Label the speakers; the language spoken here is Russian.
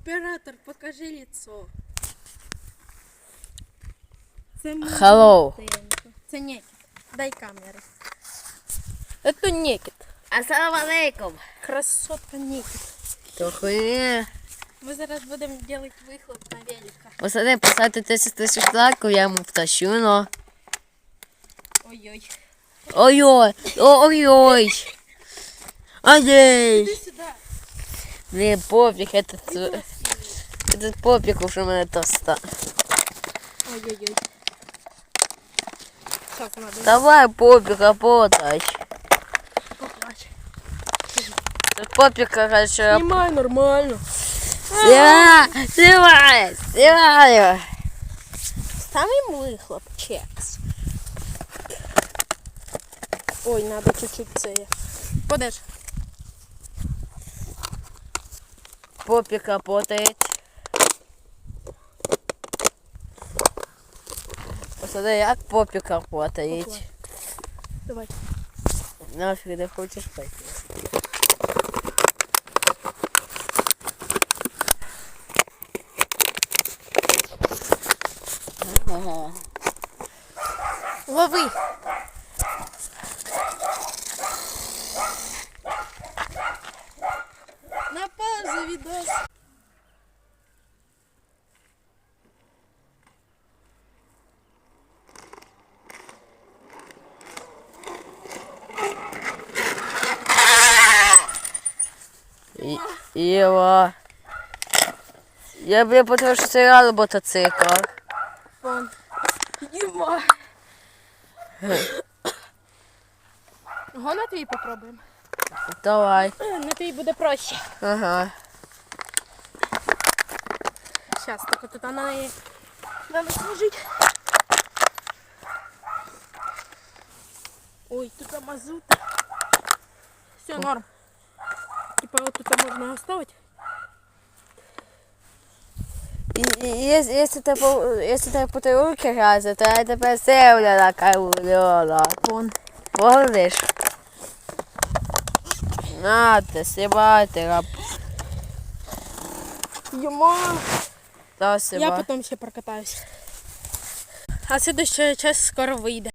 Speaker 1: Оператор, покажи лицо. Це
Speaker 2: Hello.
Speaker 1: Це Некіт. Дай камеру. Это Некіт.
Speaker 2: Ассаламу алейкум.
Speaker 1: Красотка Некіт.
Speaker 2: То хуйня.
Speaker 1: Ми зараз будемо робити вихлоп на велика.
Speaker 2: Посади, поставте 10 тисяч лайків, я йому втащу, но.
Speaker 1: Ой-ой.
Speaker 2: Ой-ой, ой-ой. Ай-яй.
Speaker 1: Иди сюда.
Speaker 2: Блин, попик, этот попик уже мене тоста.
Speaker 1: Ой-ой-ой. Так, надо
Speaker 2: Давай, попик, работай.
Speaker 1: поплачь.
Speaker 2: Попик, короче,
Speaker 1: Снимай нормально.
Speaker 2: снимай.
Speaker 1: Ставим выхлоп, чекс. Ой, надо чуть-чуть це. Подеш.
Speaker 2: Попик работает. Посади, як попик работает.
Speaker 1: Поплачь. Давай.
Speaker 2: Нафиг ты хочешь пойти? Ага.
Speaker 1: Лови. На паузу видос.
Speaker 2: Ева. Я бы потому что сыграл мотоцикл.
Speaker 1: Вон. Ема. Го на твій попробуємо.
Speaker 2: Давай.
Speaker 1: На твій буде проще.
Speaker 2: Ага.
Speaker 1: Сейчас, так тут она и надо сложить. Ой, тут мазут. Все, норм. Типа вот тут можно оставить.
Speaker 2: Если ты бутылки грязі, то я тебе сильно накормлю.
Speaker 1: Вон.
Speaker 2: Помниш? На, ти снимайте, раб.
Speaker 1: Ема.
Speaker 2: Да,
Speaker 1: Я
Speaker 2: снимай.
Speaker 1: потом ще прокатаюсь. А следующая часть скоро выйдет.